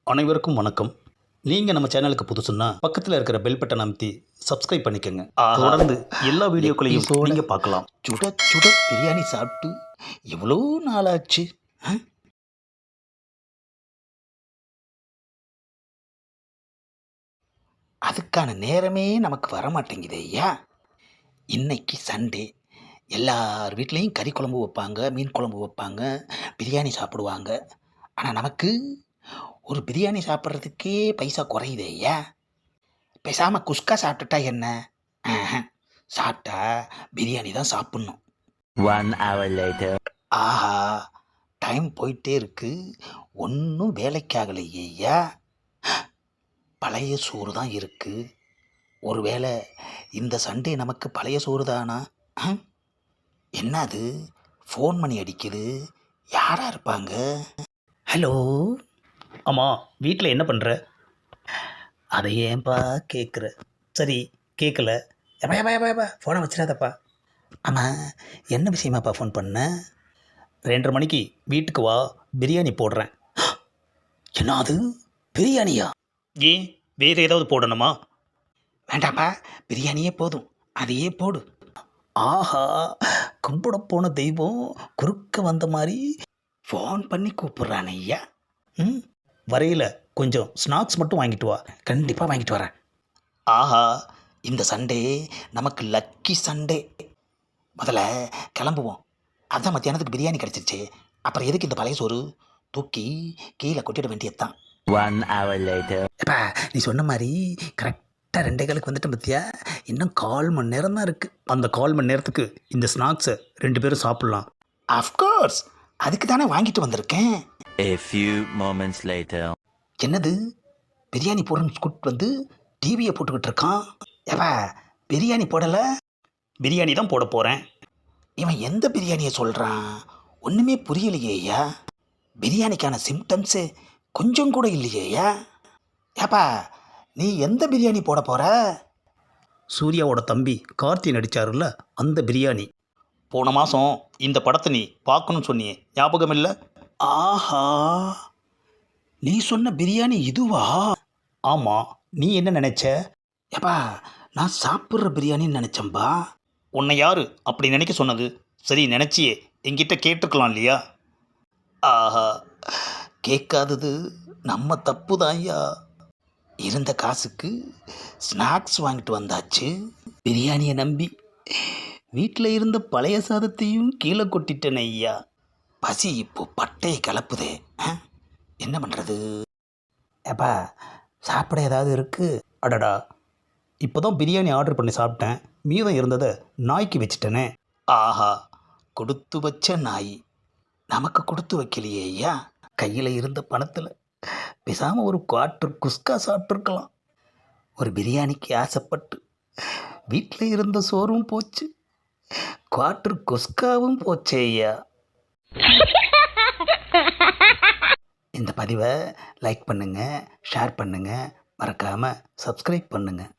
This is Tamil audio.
அனைவருக்கும் வணக்கம். நீங்கள் நம்ம சேனலுக்கு புதுசுன்னா பக்கத்தில் இருக்கிற பெல் பட்டன் அமைத்தி சப்ஸ்கிரைப் பண்ணிக்கோங்க. தொடர்ந்து எல்லா வீடியோக்களையும் நீங்கள் பார்க்கலாம். சுட சுட பிரியாணி சாப்பிட்டு எவ்வளோ நாளாச்சு. அதுக்கான நேரமே நமக்கு வர மாட்டேங்குது ஐயா. இன்னைக்கு சண்டே, எல்லார் வீட்லேயும் கறி குழம்பு வைப்பாங்க, மீன் குழம்பு வைப்பாங்க, பிரியாணி சாப்பிடுவாங்க. ஆனால் நமக்கு ஒரு பிரியாணி சாப்பிட்றதுக்கே பைசா குறையுது ஐயா. பேசாமல் குஸ்கா சாப்பிட்டுட்டா என்ன? சாப்பிட்டா பிரியாணி தான் சாப்பிட்ணும். 1 hour later. ஆஹா, டைம் போயிட்டே இருக்கு, ஒன்றும் வேலைக்காகலையே ஐயா. பழைய சோறு தான் இருக்கு. ஒருவேளை இந்த சண்டே நமக்கு பழைய சோறு தானா? என்னது, ஃபோன் பண்ணி அடிக்குது, யாரா இருப்பாங்க? ஹலோ. ஆமாம், வீட்டில் என்ன பண்ணுற? அதை ஏன்பா கேட்குற? சரி, கேட்கல. எப்பா எப்பா எப்பா எப்பா ஃபோனை வச்சிடாதப்பா. ஆமாம், என்ன விஷயமாப்பா ஃபோன் பண்ண? 2:30 மணிக்கு வீட்டுக்கு வா, பிரியாணி போடுறேன். என்ன அது, பிரியாணியா? ஏன் வேறு ஏதாவது போடணுமா? வேண்டாப்பா, பிரியாணியே போதும், அதையே போடு. ஆஹா, கும்பிட போன தெய்வம் குறுக்க வந்த மாதிரி ஃபோன் பண்ணி கூப்பிட்றான் ஐயா. வரையில் கொஞ்சம் ஸ்நாக்ஸ் மட்டும் வாங்கிட்டு வா. கண்டிப்பாக வாங்கிட்டு வரேன். ஆஹா, இந்த சண்டே நமக்கு லக்கி சண்டே. முதல்ல கிளம்புவோம். அதான் மத்தியானத்துக்கு பிரியாணி கிடச்சிருச்சு, அப்புறம் எதுக்கு இந்த பழைய சோறு? தூக்கி கீழே கொட்டிட வேண்டியதுதான். 1 hour later. எப்பா, நீ சொன்ன மாதிரி கரெக்டாக 2:15 வந்துட்டேன் பத்தியா. இன்னும் 1/4 மணி நேரம் தான் இருக்குது. அந்த 1/4 மணி நேரத்துக்கு இந்த ஸ்நாக்ஸை 2 பேரும் சாப்பிட்லாம். அஃப்கோர்ஸ், அதுக்கு தானே வாங்கிட்டு வந்திருக்கேன். A few moments later. என்னது, பிரியாணி போடுறன்னு கூட்டு வந்து டிவியை போட்டுக்கிட்டு இருக்கான். ஏப்பா, பிரியாணி போடலை? பிரியாணி தான் போட போகிறேன். இவன் எந்த பிரியாணியை சொல்கிறான்? ஒன்றுமே புரியலையே ஐயா. பிரியாணிக்கான சிம்டம்ஸு கொஞ்சம் கூட இல்லையே ஐயா. ஏப்பா, நீ எந்த பிரியாணி போட போகிற? சூர்யாவோட தம்பி கார்த்தி நடித்தாருல்ல, அந்த பிரியாணி. போன மாதம் இந்த படத்தை நீ பார்க்கணும்னு சொன்னியே, ஞாபகம் இல்லை? ஆஹா, நீ சொன்ன பிரியாணி இதுவா? ஆமாம், நீ என்ன நினச்ச? ஏப்பா, நான் சாப்பிட்ற பிரியாணின்னு நினச்சேன்பா. உன்னை யார் அப்படி நினைக்க சொன்னது? சரி, நினச்சியே என்கிட்ட கேட்டிருக்கலாம் இல்லையா? ஆஹா, கேட்காதது நம்ம தப்பு தான் ஐயா. இருந்த காசுக்கு ஸ்நாக்ஸ் வாங்கிட்டு வந்தாச்சு. பிரியாணியை நம்பி வீட்டில் இருந்த பழைய சாதத்தையும் கீழே கொட்டிட்டேன் ஐயா. பசி இப்போ பட்டையை கலப்புதே. என்ன பண்ணுறது? ஏப்பா, சாப்பிட ஏதாவது இருக்குது? அடடா, இப்போ தான் பிரியாணி ஆர்டர் பண்ணி சாப்பிட்டேன், மீதம் இருந்ததை நாய்க்கு வச்சுட்டேனே. ஆஹா, கொடுத்து வச்ச நாய் நமக்கு கொடுத்து வைக்கலையே ஐயா. கையில் இருந்த பணத்தில் பேசாமல் ஒரு குவார்ட்டர் குஸ்கா சாப்பிட்ருக்கலாம். ஒரு பிரியாணிக்கு ஆசைப்பட்டு வீட்டில் இருந்த சோறும் போச்சு, குவார்ட்டர் குஸ்காவும் போச்சே ஐயா. இந்த பதிவை லைக் பண்ணுங்கள், ஷேர் பண்ணுங்கள், மறக்காமல் சப்ஸ்கிரைப் பண்ணுங்கள்.